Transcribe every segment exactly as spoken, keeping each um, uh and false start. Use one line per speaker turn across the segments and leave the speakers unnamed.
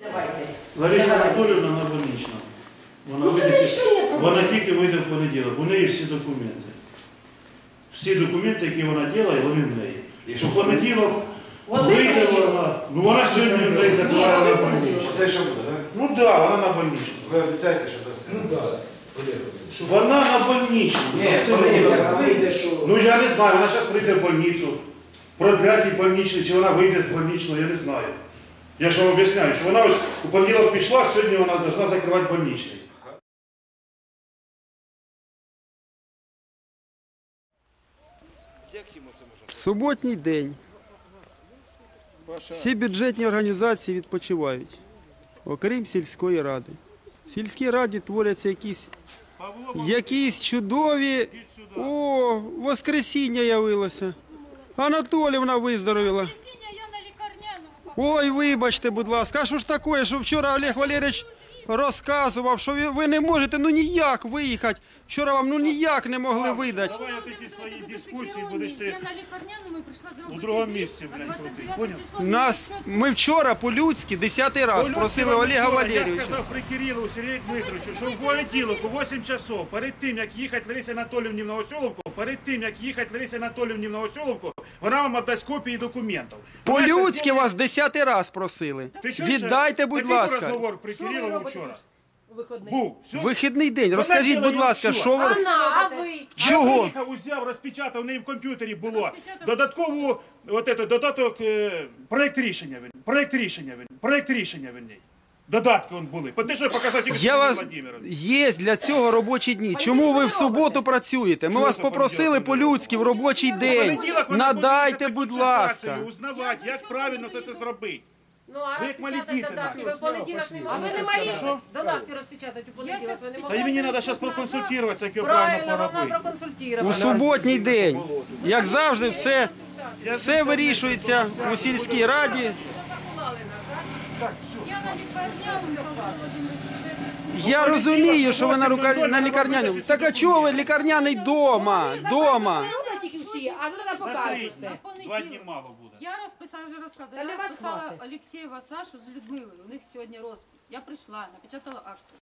Лариса Анатоліївна на больничному. Вона, вийде, вона тільки вийде в понеділок. У неї всі документи. Всі документи, які вона робить, вони в неї. У понеділок вийде вона. Ну вона сьогодні в неї закриває на больничному.
Це що буде, так?
Ну так, да, вона на больничному.
Ви обіцяєте, що дасте?
Ну так.
Вона на больничному.
Ні, вона вийде, що...
Ну я не знаю, вона зараз прийде в больницю. Продлять їй больничний, чи вона вийде з больничного, я не знаю. Я ж вам об'ясняю, що вона ось у понеділок пішла, сьогодні вона повинна закривати больничний.
Суботній день. Всі бюджетні організації відпочивають, окрім сільської ради. В сільській раді творяться якісь, якісь чудові... О, воскресіння явилося. Анатоліївна виздоровіла. Ой, вибачте, будь ласка, а що ж таке, що вчора Олег Валерійович розказував, що ви, ви не можете ну ніяк виїхати. Вчора вам ну ніяк не могли видати.
Давай от ці свої дискусії будеш ти у другому місці, блядь, крутий. Поняв?
Нас, ми вчора по-людськи десятий раз просили Олега Валерійовича.
Я сказав при Кирилу Сергію Дмитровичу, що в понеділок у вісім часов, перед тим, як їхати Ларисі Анатоліївні в Новоселовку, перед тим, як їхати Ларисі Анатоліївні в Новоселовку, вона вам віддасть копії документів.
По-людськи вас десятий раз просили. Віддайте, будь ласка.
Який розговор при Кирилову вчора? Був.
Вихідний день. Розкажіть, будь ласка, що ви...
А ви?
Чого?
Приїхав, узяв, розпечатав, в неї в комп'ютері було. Додаткову, от это, додаток, е, проєкт рішення, він, проєкт рішення, він, проєкт рішення в ній. Додатки он були. Те, що я показав тільки
Я вас...
Владимирович.
Є для цього робочі дні. Чому ви в суботу працюєте? Ми
Чого
вас
це
попросили
понеділок?
по-людськи в робочий день.
Понеділок вони
Надайте,
будуть
будь ласка.
консультацію, узнавати, як правильно це, це зробити.
Ну, а
Ви як малі
розпечатати
діти,
додатки
нахуй.
ви в понеділок не
А
можете?
ви не
малі
Що?
додатки розпечатати у понеділок ви не
Та
можете?
і мені треба зараз проконсультуватися, як його правильно
Правильно, вона
поробити.
У
проконсультирована.
суботній день. Як завжди, все, все вирішується у сільській раді. Я розумію, що ви на, рука... на лікарняному. Так а чого ви лікарняний дома? Дома.
Роблять їх усі, а вона
За
покаже
три
все.
дні. Два дні мало буде.
Я розписала, вже розказала.
Та
Я
для вас
розписала
хватить.
Олексєєва Сашу з Людмилою. У них сьогодні розпис. Я прийшла, напечатала акцію.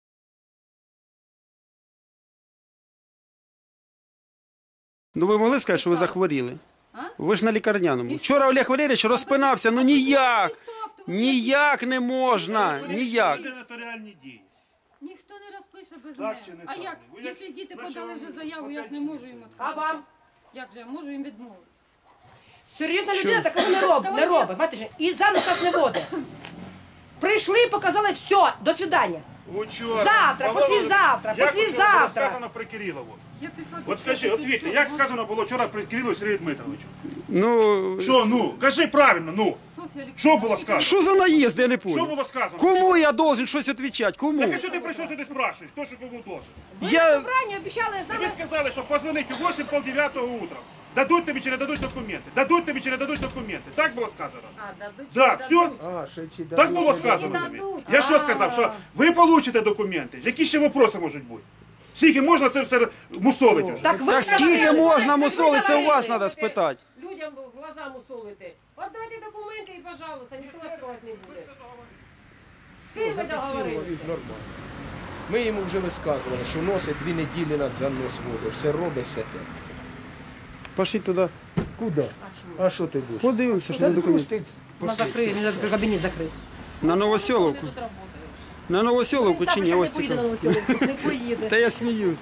Ну ви могли сказати, що ви захворіли?
А?
Ви ж на лікарняному. Вчора Олег Валерійович розпинався, ну ніяк. Ніяк не можна, ніяк.
Це нотаріальні дії.
Ніхто не розпише без
Так
мене.
чи не
А
так?
як?
Ви як-
Якщо діти
Значить,
подали
ви-
вже заяву, я ж не можу їм
А
відказати.
вам?
Як же, я можу їм відмовити?
Серйозна людина такого не робить, не робить. Бачите, і замість нас не водить. Прийшли, показали, все, до свидання.
Учора.
Завтра,
Павло
послезавтра,
Володимирович, як
послезавтра.
було сказано при Кирилову?
Я пішла
От скажи, от Вітя, як сказано було вчора при Кирилу Сергію Дмитровичу?
Ну,
Що, ну, кажи правильно, ну.
Софія
Що було сказано?
що за наїзд, я не
Що
понял.
було сказано?
Кому я должен щось відповідати? Кому?
Так а чого ти прийшов сюди спрашуєш? Хто що кому должен?
Ви
Я-
на собранні обіцяли з
Тобі
нами.
сказали, що позвонить у вісім, пол дев'ятого утра. Дадуть тобі чи не дадуть документи? Дадуть тобі чи не дадуть документи? Так було сказано?
А, дадуть,
Так,
чи
все?
дадуть?
А, ще чи
Так було
Ні,
сказано
не
тобі.
дадуть.
Я що
А.
сказав, що ви получите документи? Які ще вопроси можуть бути? Скільки можна це все мусолити вже?
Так, ви
Так скільки
говорили,
можна
ви
мусолити, це у вас
говорили,
треба
ви
спитати.
Людям в глаза мусолити. Отдайте документи і, пожалуйста, ніхто вас трогати не буде. З ким ви
зафіксували
договорились?
нормально. Ми йому вже висказували, що носить дві неділі нас за нос водить. Все робить, все те.
Пошли туди.
Куди? А що ти будеш?
Подивимося, що
Та
на документи.
пустить.
Вона закриє, він закрив, кабінет закрив.
На Новоселовку. На Новоселовку чи ні?
не
Ось
поїде на
це.
Новоселовку, не поїде.
Та я сміюся.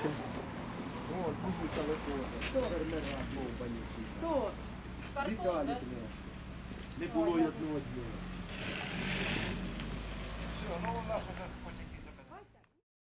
Хто? Картон, да?
Не було й одного дня.
Все, ну у нас вже